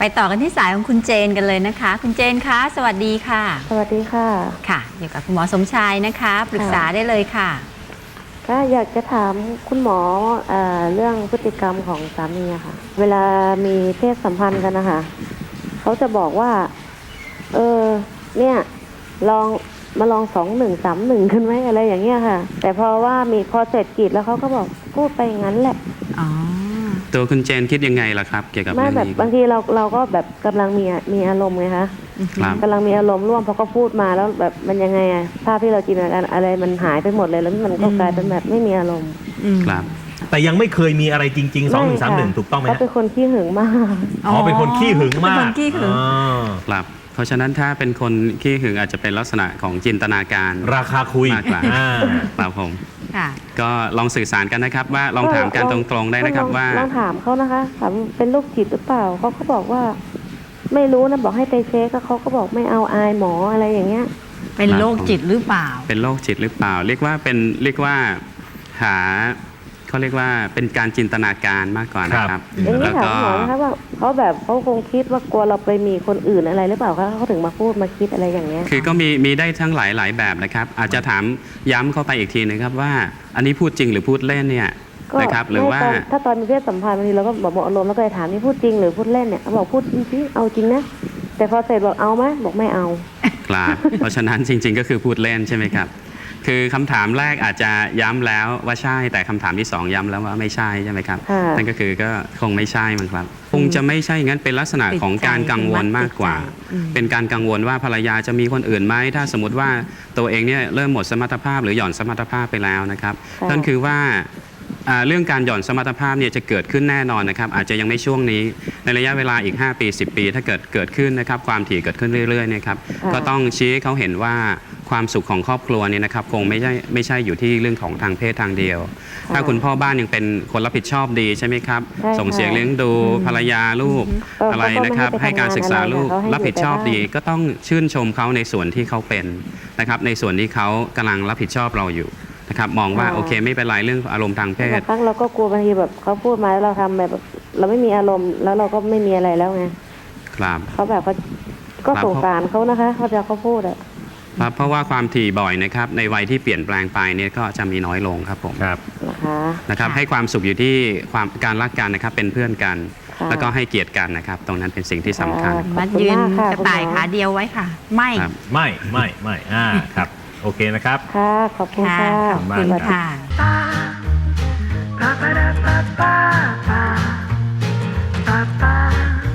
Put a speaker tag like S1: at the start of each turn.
S1: ไปต่อกันที่สายของคุณเจนกันเลยนะคะคุณเจนคะสวัสดีค่ะ
S2: สวัสดีค่ะ
S1: ค่ะอยู่กับคุณหมอสมชายนะคะปรึกษาได้เลยค่ะ
S2: ก็อยากจะถามคุณหมอเรื่องพฤติกรรมของสามีค่ะเวลามีเพศสัมพันธ์กันนะคะเขาจะบอกว่าเนี่ยลองมาลอง2131กันไหมอะไรอย่างเงี้ยค่ะแต่พอเสร็จกิจแล้วเขาก็บอกพูดไปอย่างนั้นแหละ
S1: อ๋อ
S3: ตัวคุณเจนคิดยังไงล่ะครับเกี่ยวกับเรื่องนี้
S2: บางทีเราก็แบบกำลังมีอารมณ์ไงคะกำลังมีอารมณ์ร่วมพอเขาพูดมาแล้วแบบมันยังไงอะภาพที่เราจินตนาการอะไรมันหายไปหมดเลยแล้วมันก็กลายเป็นแบบไม่มีอารมณ์
S3: ครับ
S4: แต่ยังไม่เคยมีอะไรจริงๆ2131ถูกต้องไหม
S2: เขาเป็นคนขี้หึงมาก
S4: เป็นคนขี้หึงมาก
S1: เป็นคนขี้หึง
S3: ครับเพราะฉะนั้นถ้าเป็นคนขี้หึงอาจจะเป็นลักษณะของจินตนาการ
S4: ราคาคุย
S3: มากกว่าครับผมก็ลองสื่อสารกันนะครับว่าลองถามกันตรงๆได้นะครับว่า
S2: ลองถามเขานะคะถามเป็นโรคจิตหรือเปล่าเขาก็บอกว่าไม่รู้นะบอกให้ไปเช็คก็เขาก็บอกไม่เอาอายหมออะไรอย่างเงี้ย
S1: เป็นโรคจิตหรือเปล่า
S3: เป็นโรคจิตหรือเปล่าเรียกว่าหาเขาเรียกว่าเป็นการจินตนาการมากกว่านะครับ
S2: แล้วก็ถามหมอนะคะว่าเขาคงคิดว่ากลัวเราไปมีคนอื่นอะไรหรือเปล่าคะเขาถึงมาพูดมาคิดอะไรอย่างเงี้ย
S3: คือก็มีได้ทั้งหลายแบบนะครับอาจจะถามย้ำเข้าไปอีกทีนะครับว่าอันนี้พูดจริงหรือพูดเล่นเนี่ยนะครับหรือว่า
S2: ถ้าตอนมีเพศสัมพันธ์บางทีเราก็บอกอารมณ์แล้วก็เลยถามนี่พูดจริงหรือพูดเล่นเนี่ยเขาบอกพูดจริงเอาจริงนะแต่พอเสร็จบอกเอาไหมบอกไม่เอา
S3: ครับเพราะฉะนั้นจริงๆก็คือพูดเล่นใช่ไหมครับคือคำถามแรกอาจจะย้ำแล้วว่าใช่แต่คำถามที่2ย้ำแล้วว่าไม่ใช่ใช่ไหมครับนั่นก็คือก็คงไม่ใช่มั้งครับคงจะไม่ใช่งั้นเป็นลักษณะของการกังวลมากกว่าเป็นการกังวลว่าภรรยาจะมีคนอื่นไหมถ้าสมมติว่าตัวเองเนี่ยเริ่มหมดสมรรถภาพหรือหย่อนสมรรถภาพไปแล้วนะครับนั่นคือว่าเรื่องการหย่อนสมรรถภาพเนี่ยจะเกิดขึ้นแน่นอนนะครับอาจจะยังไม่ช่วงนี้ในระยะเวลาอีก5 ปี 10 ปีถ้าเกิดขึ้นนะครับความถี่เกิดขึ้นเรื่อยๆนะครับก็ต้องชี้ให้เขาเห็นว่าความสุขของครอบครัวเนี่ยนะครับคงไม่ใช่อยู่ที่เรื่องของทางเพศทางเดียวถ้าคุณพ่อบ้านยังเป็นคนรับผิดชอบดีใช่ไหมครับส่งเสียงเลี้ยงดูภรรยาลูกอะไรนะครับให้การศึกษาลูกรับผิดชอบดีก็ต้องชื่นชมเขาในส่วนที่เขาเป็นนะครับในส่วนที่เขากำลังรับผิดชอบเราอยู่นะครับมองว่าโอเคไม่เป็นไรเรื่องอารมณ์ทางเพศ
S2: บางเราก็กลัวบางทีแบบเขาพูดมาแล้วเราทำแบบเราไม่มีอารมณ์แล้วเราก็ไม่มีอะไรแล้วไง
S3: ครับ
S2: เขาแบบก็สงสารเขานะคะเขาพูดอะ
S3: ครับเพราะว่าความถี่บ่อยนะครับในวัยที่เปลี่ยนแปลงไปเนี่ยก็จะมีน้อยลงครับผมนะครับให้ความสุขอยู่ที่การรักกันนะครับเป็นเพื่อนกันแล้วก็ให้เกียรติกันนะครับตรงนั้นเป็นสิ่งที่สำคัญ
S1: มัดยืนกระต่ายขาเดียวไว้ค่ะไม่
S4: ครับโอเคนะครับ
S2: ค่ะขอบคุณค่ะ
S1: ขอบคุณค่ะ